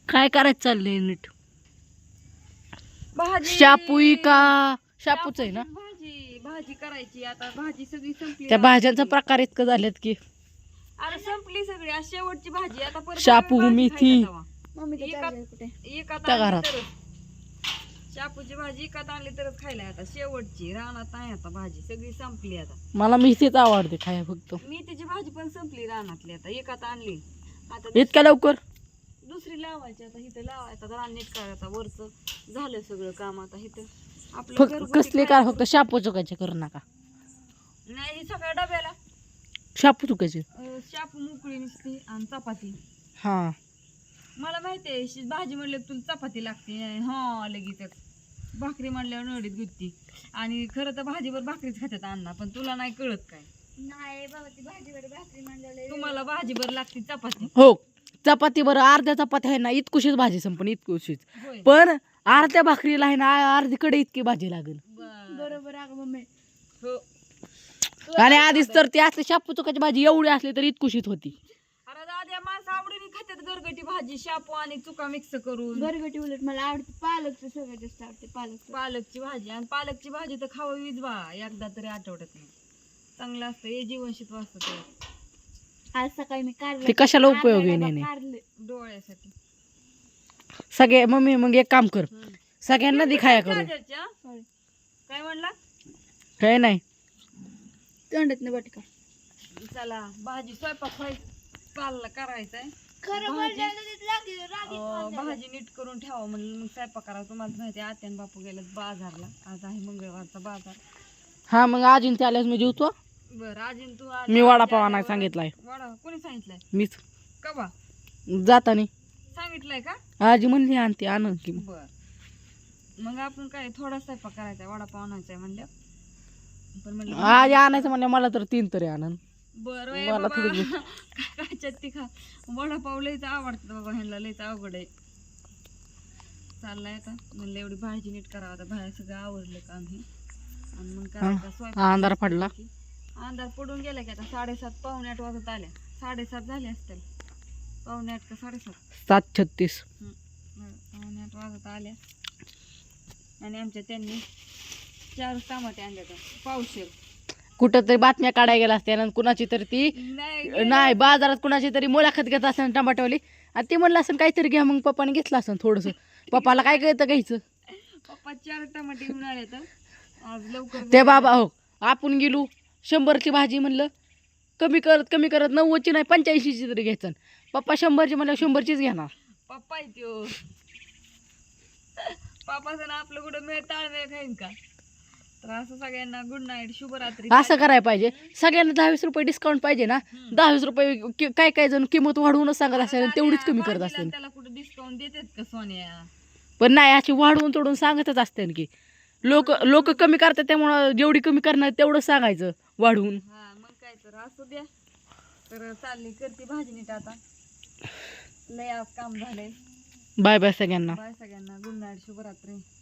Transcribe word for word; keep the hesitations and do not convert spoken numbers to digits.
काय करायचं चाललंय नीट? भाजी शापूई का शापूच आहे ना? भाजी भाजी करायची आता. भाजी सगळी संपली. त्या भाज्यांचा प्रकार इतकं झालेत की अरे संपली सगळी. आज शेवटची भाजी आता परत शापू, भाजी मेथी. खायला जावा. मम्मी एकात कुठे एकात त्या आणली घरात. तरच शापूची भाजी एकात आणली तरच खायला. आता शेवटची रानात नाही आता भाजी सगळी संपली. आता मला मेथीच आवडते खाया फक्त. मेथीची भाजी पण संपली रानातली. आता एकात आणली आता इतक्या लवकर दुसरी लावायची. आता इथं लावायचं आता नीट करायचं. वरचं झालं सगळं काम. आता इथं आपलं फक्त घरगुती कसले काय- काय फक्त शापू चुकायचे करू नका. नाही सगळ्या डब्याला शापू चुकायचे. अं, शापू मोकळी नुसती आणि चपाती. हा मला माहिती आहे शि- भाजी म्हणलं तुला चपाती लागते. हा लगेच भाकरी म्हणल्यावर नडीत गुत्ती. आणि खरं तर भाजीवर भाकरीच खात्यात अण्णा. पण तुला नाही कळत काय. नाही बाबा ती भाजीवर भाकरी म्हणलेलं तुम्हाला भाजीवर लागते चपाती. हो चपाती बरं अर्ध्या चपाती आहे ना इतकुशीच भाजी संपण इतकुशीच. होय पण अर्ध्या भाकरीला आहे ना अर्धी कडे इतकी भाजी लागेल. बरं. बरोबर अगं मम्मी. हो. आणि आधीच तर ती असली शापू चुकाची भाजी एवढी असली तर इतकुशीत होती. अरे दाद्या माणसं आवडीने खात्यात गरगटी भाजी शापू आणि चुका मिक्स करून. गरगटी उलट मला आवडते पालकचं सगळ्यात जास्त आवडते पालक. पालकची भाजी आणि पालकची भाजी तर खावावीच बा एकदा तरी आठवड्यात नाही. चांगलं असतं हे जीवनशित्व असतं ते आज सकाळी मी कारले ते कशाला उपयोगी नाही. कारले डोळ्यासाठी. सगळे मम्मी मग एक काम कर हम्म. सगळ्यांना दे खाया करू. राजाच्या? Sorry. काय म्हणला? काय नाही तोंडात नाही बटका. चला भाजी स्वयंपाक चालला करायचंय. खरं भाजी- बोलल्यानं अं, भाजी नीट करून ठेवा म्हणलं मग स्वयंपाक करा. तुम्हाला माहिती आहे आत्यान बापू गेल्यात बाजारला. आज आहे मंगळवारचा बाजार. हा मग आजीन ते आल्यास मी जेवतो. बरं आजीन तू आज- मी आज वडापाव आणायला आल्यावर- सांगितलाय. वडा कोणी सांगितलंय? मीच कवा जातानी सांगितलंय का? आजी म्हणली आणते आण की. बर मग आपण काय थोडा स्वयंपाक करायचा वडापाव आणायचा म्हणलं. पण म्हणलं आजी आणायचं म्हणजे मला तर तीन तरी आणन. बरं मला बाबा थोडी- काय चट्टी खा. वडापाव लयच आवडतं बाबा ह्यांना. लयच अवघड आहे. चाललाय आता म्हणलं एवढी भाजी नीट करावं. आता बाहेर सगळं आवडलं काम हे. आणि मग करायचा स्वयंपाक. हा, अंधार पडला. अंधार पडून गेला की आता साडेसात पावणे आठ वाजत आल्या. साडेसात झाले असतील. पावणे आठ का साडेसात. सात छत्तीस हं. पावणे आठ वाजत आल्या. आणि आमच्या त्यांनी चार टमाटे आणले तर पावशेर. कुठं तरी बातम्या काढायला गेला असते आणि कुणाची तरी ती नाही नाही बाजारात कुणाची तरी मुलाखत घेत असताना टमाटोवाली आणि ती म्हणलं असं काहीतरी घ्या मग पप्पाने घेतलं असं थोडस. पप्पाला काय कळतं घ्यायचं. पप्पा चार टमाटे घेऊन आले तर आज लवकर ते बाबा हो आपण गेलो शंभरची भाजी म्हणलं कमी करत कमी करत नव्वदची नाही पंच्याऐंशीची तरी घ्यायचं. पप्पा शंभरची म्हणलं शंभरचीच घेणार. पप्पा आहे त्यो. पप्पाचं ना आपलं कुठं मेळ ताळमेळ खाईन का. तर असं सगळ्यांना गुड नाईट शुभरात्री. असं करायला पाहिजे. सगळ्यांना दहावीस रुपये डिस्काउंट पाहिजे ना. दहावीस रुपये कि- काय काय जण किंमत वाढवूनच सांगत असेल आणि तेवढीच कमी करत भाजीला असेल. त्याला कुठं डिस्काउंट देतात का सोन्या. पण नाही अशी वाढवून तोडून सांगतच असते की लोक लोक कमी करतात त्यामुळं जेवढी कमी करणार तेवढं सांगायचं वाढवून. हा मग काय तर असू द्या. तर चालली करते भाजी नीट आता. लय आज काम झालंय. बाय बाय सगळ्यांना. बाय सगळ्यांना गुड नाईट शुभरात्री.